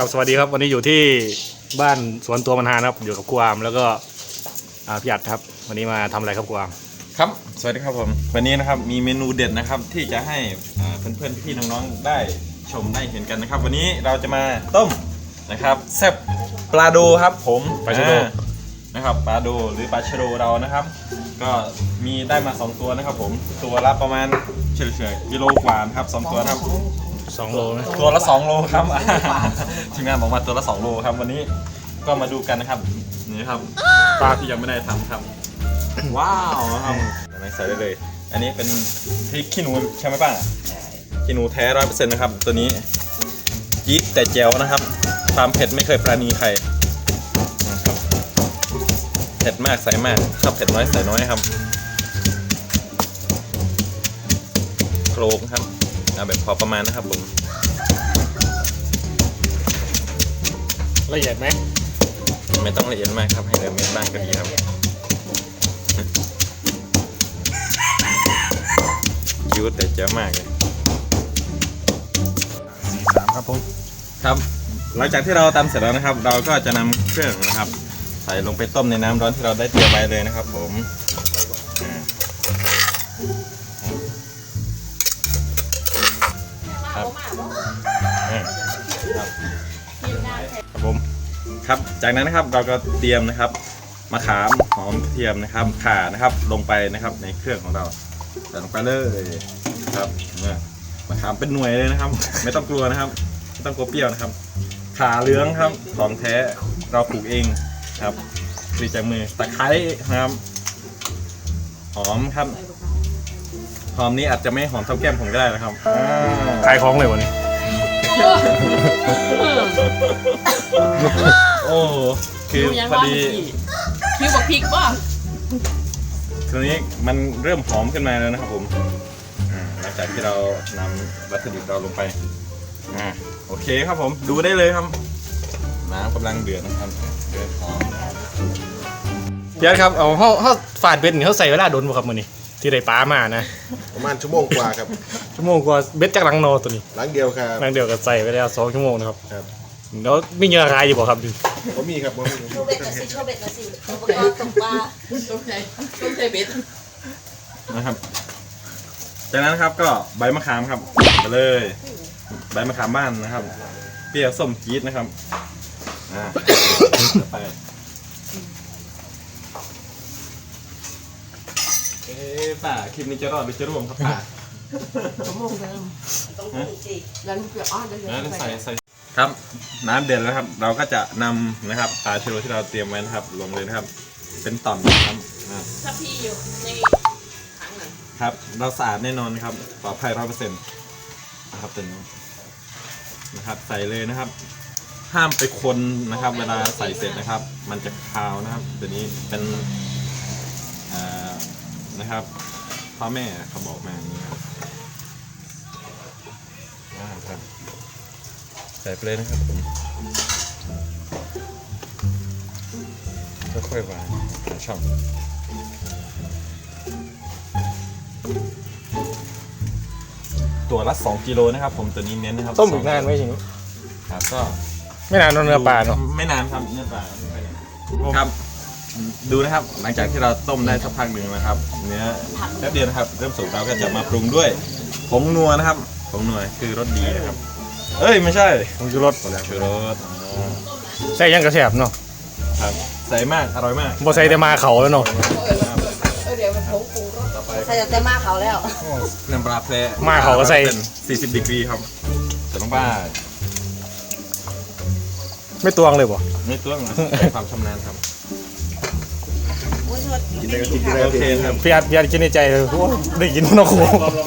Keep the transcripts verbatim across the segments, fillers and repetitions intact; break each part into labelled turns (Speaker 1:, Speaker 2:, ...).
Speaker 1: ครับสวัสดีครับวันนี้อยู่ที่บ้านสวนตัวมันฮานะครับอยู่กับครูอามแล้วก็พี่อัดครับวันนี้มาทำอะไรครับครูอาม
Speaker 2: ครับสวัสดีครับผมวันนี้นะครับมีเมนูเด็ดนะครับที่จะให้เพื่อนๆพี่น้องๆได้ชมได้เห็นกันนะครับวันนี้เราจะมาต้มนะครับแซ่บปลาโดครับผม
Speaker 1: ปลาชะโด
Speaker 2: นะครับปลาโดหรือปลาชะโดเรานะครับก็มีได้มาสองตัวนะครับผมตัวละประมาณเฉลี่ยกิโลกว่าครับสองตัวครับ
Speaker 1: สองโลนะ
Speaker 2: ตัวละสองโลครับทีมงานบอกมาตัวละสองโลครับวันนี้ก็มาดูกันนะครับนี่ครับปลาที่ยังไม่ได้ทำครับว้าวครับใส่ได้เลยอันนี้เป็นพริกขี้หนูใช่ไหมป้าขี้หนูแท้ร้อยเปอร์เซ็นต์นะครับตัวนี้จี๊ดแต่แจ๋วนะครับความเผ็ดไม่เคยปราณีใครนะครับเผ็ดมากใส่มากชอบเผ็ดน้อยใส่น้อยครับโคลกครับเอาแบบพอประมาณนะครับผม
Speaker 1: ละเอียดไหม
Speaker 2: ไม่ต้องละเอียดมากครับให้เหลือเม็ดบ้างก็ดีครับคิ้วแต่เจ๋อมากเลย
Speaker 1: สี่สามครับผม
Speaker 2: ครับหลังจากที่เราตำเสร็จแล้วนะครับเราก็จะนำเครื่องนะครับใส่ลงไปต้มในน้ำร้อนที่เราได้เตรียมไว้เลยนะครับผมครับครับผมครับจากนั้นนะครับเราก็เตรียมนะครับมะขามหอมกระเทียมนะครับข่านะครับลงไปนะครับในเครื่องของเราใส่ลงไปเลยครับเนี่ยมะขามเป็นหน่วยเลยนะครับไม่ต้องกลัวนะครับไม่ต้องกลัวเปรี้ยวนะครับข่าเหลืองครับของแท้เราปลูกเองครับปลีจากมือตะไคร้นะครับหอมครับหอมนี้อาจจะไม่หอมเท่าแก้มผมก็ได้นะครับ
Speaker 1: ขายของเลยวันนี้
Speaker 2: โอ้คือพอดี
Speaker 3: คิวบอกพริกป่ะ
Speaker 2: ทีนี้มันเริ่มหอมขึ้นมาแล้วนะครับผมหลังจากที่เรานำวัตถุดิบเราลงไปอ่าโอเคครับผมดูได้เลยครับน้ำกำลังเดือดนะครับเดือดหอม
Speaker 1: พี่อัดครับเอาเขาเขาฝาดเบ็ดเขาใส่เวลาโดนบ่ครับมื้อนี้ที่ได้ปลามานะ
Speaker 4: ประมาณชั่วโมงกว่าครับ
Speaker 1: ชั่วโมงกว่าเบ็ดจากหลังโนตัวนี้
Speaker 4: หลังเดียวครับ
Speaker 1: หลังเดียวก็ใส่ไปแล้วสองชั่วโมงนะครับแล้วมีเงื่อคายอยู่บ่ครับ
Speaker 4: ผมมีครับผมมี
Speaker 3: โชว์เบ็ดมาสิโชว์เบ็ดมาสิอุปกรณ์ตกปลาต้มใจต้มใจเบ็ด
Speaker 2: นะครับจากนั้นครับก็ใบมะขามครับไปเลยใบมะขามบ้านนะครับเปรี้ยวส้มจี๊ดนะครับอ่าไปเอ๊ะป่าคลิปนี้จะรอดหรือจะร่วงครับป่า
Speaker 3: ชั่วโมงเดิมต้องดูสิแล้วเกลืออ้อนเลย
Speaker 2: ใส่ใส่ครับน้ำเดือดแล้วครับเราก็จะนำนะครับปลาชะโดที่เราเตรียมไว้นะครับลงเลยนะครับเป็นต่อมนะครับ
Speaker 3: ถ้าพี่อยู่ในถังหน่อย
Speaker 2: ครับเราสะอาดแน่นอนครับปลอดภัยร้อยเปอร์เซ็นต์นะครับตัวนี้นะครับใส่เลยนะครับห้ามไปคนนะครับเวลาใส่เสร็จนะครับมันจะคาวนะครับตัวนี้เป็นนะครับพ่อแม่เขาบอกมาอย่างนี้ครับครับใส่ไปเลยนะครับผมค่อยๆวางช่องตัวละสองกิโลนะครับผมตัวนี้เน้นนะครับ
Speaker 1: ต้มอีกนานไหมจริง
Speaker 2: ครับก็
Speaker 1: ไม่นานเนื้อปลาเนาะ
Speaker 2: ไม่นานครับเนื้อปลาครับดูนะครับหลังจากที่เราต้มได้สักพักหนึ่งนะครับเนื้อแป๊บเดียวนะครับเริ่มสุกเราก็จะมาปรุงด้วยผงนัวนะครับผงนัวคือรสดีนะครับเอ้ยไม่ใช่
Speaker 1: ผงชูรส
Speaker 2: ชูรส
Speaker 1: ใส่ยังกระแสบเนาะ
Speaker 2: ครับใส่มากอร่อยมาก
Speaker 1: บ่ใส่แต่มาเขาแล้วเนาะ
Speaker 3: เดี๋ยวมันผงปรุงรสใส่แต่มาเขาแล้ว
Speaker 2: น้ำปลาแพร
Speaker 1: มาเขาก็ใส่
Speaker 2: สี่สิบดีกรีครับแต่ต้องบ้า
Speaker 1: ไม่ตวงเลยบ่
Speaker 2: ไม่ตวงใช้ความชำนาญครับ
Speaker 4: กินได้ก็กินได้
Speaker 2: โอเคครับ
Speaker 1: พี่อัดพี่อัดกินในใจเลยโอ้ได้กินนกโข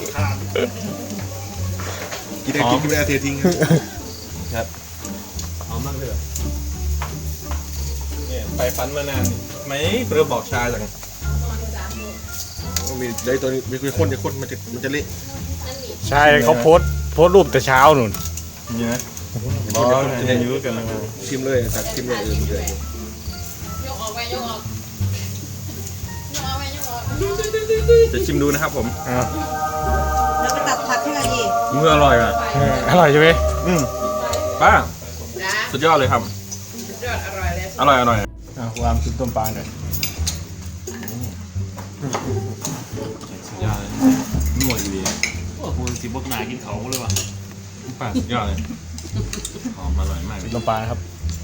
Speaker 4: กินได้กินกินได้เททิ้ง
Speaker 2: ครับหอมมากเลยเนี่ยไปฟันมานานไม่เพื่อบอกชาจัง
Speaker 4: มีได้ตัวนี้มีคนจะคนมันจะมันจะเละ
Speaker 1: ใช่เขาโพสโพสรูปแต่เช้าหนุน
Speaker 2: นี่นะบอสจะยุ่งกันนะ
Speaker 4: ชิมเลยสักชิมเลยเออมันเลย
Speaker 3: ยกออกไปยกออก
Speaker 2: จะชิมดูนะครับผม
Speaker 3: แล้วไปตัดผักให้หน่อยดิ
Speaker 2: มืออร่อยอ่ะ
Speaker 1: อร่อยใช่ไหม
Speaker 2: อืมป้าสุดยอดเลยครับ
Speaker 3: สุดยอดอร่อยเลย
Speaker 2: อร่อยอร่อย
Speaker 1: อ่ะครูอามกินต้มปลาหน่อย
Speaker 2: สุดยอดเลยนวดอยู่ดี
Speaker 5: โอ้โหสิบกหนากินเขาเลยว่ะ
Speaker 2: ป้าสุดยอดเลยหอมอร่อยมากเลย
Speaker 1: ต้มปลานะครับ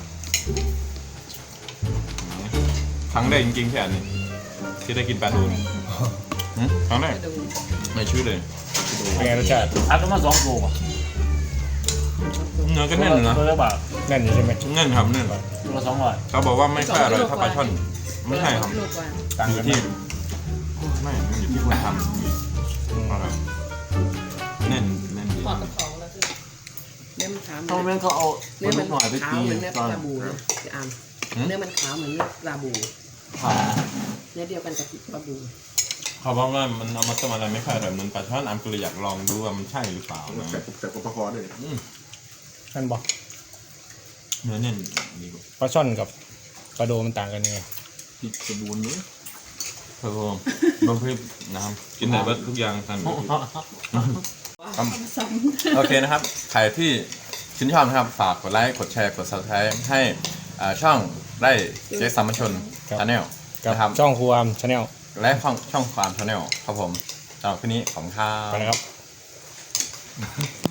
Speaker 2: ครั้งแรกจริงๆแค่นี้ที่ได้กินปลาทูนี่หืมครั้งแรกไม่ชื่อเลย
Speaker 1: เป็นไงรสชาติ
Speaker 5: อัดก็มาสองโลว่ะ
Speaker 2: เนื้อก็แน่นอยู่นะ
Speaker 5: ตัวละบาท
Speaker 1: แน่นอยู่ใช่ไหม
Speaker 2: แน่นครับแน่น
Speaker 5: ตัวละสองร้อย
Speaker 2: เขาบอกว่าไม่ค่อยอร่อยเท่าปลาช่อนไม่ใช่ครับ
Speaker 3: ลูกกว่า
Speaker 1: ต่าง
Speaker 2: อยู่
Speaker 1: กัน
Speaker 2: ที่
Speaker 1: ไหม
Speaker 2: ไม่มันอยู่ที่คนทำอร่อยแน่นแน่นดี
Speaker 3: ทอดกระเพราแล้วคือเนื้อมันขาว
Speaker 5: ตอนนั้นเขาเอา
Speaker 3: เนื้อ
Speaker 5: ลู
Speaker 3: มัน
Speaker 5: กหน่อยไป
Speaker 3: ขาว
Speaker 5: ตี
Speaker 3: เหมือนเนื้อ
Speaker 5: ตอน
Speaker 3: ปลาบูนะพี่อามเนื้อมันขาวเหมือนเนื้อปลาบู
Speaker 5: ผ่า
Speaker 3: เนื้อเดียวกันกับปลาบู
Speaker 2: เขาบอกว่ามันเอามาต้มอะไรไม่ค่อยอร่อยเหมือนปลาช่อนอัมก็เลยอยากลองดูว่ามันใช่หรือเปล่านะ
Speaker 4: แต่แต่ปลาคอเลย
Speaker 2: อืม
Speaker 1: นั่นบอก
Speaker 2: เนื้อแน่นดีกว่า
Speaker 1: ปลาช่อนกับปลาโดมันต่างกันยังไง
Speaker 5: ติดสบู่นี้
Speaker 2: เพิ่มบะพริกนะครับกินได้เบิดทุกอย่างทันโอเคนะครับใครที่ชื่นชอบนะครับฝากกดไลค์กดแชร์กด ซับสไครบ์ ให้อ่าช่องไร่เจ๊สามัญชนชาแนล
Speaker 1: กับ
Speaker 2: นะครับ
Speaker 1: ช่องครูอามชาแนล
Speaker 2: และช่องช่องความชาแนลครับผมสำหรับคืนนี้ของข้าว
Speaker 1: ไปนะครับ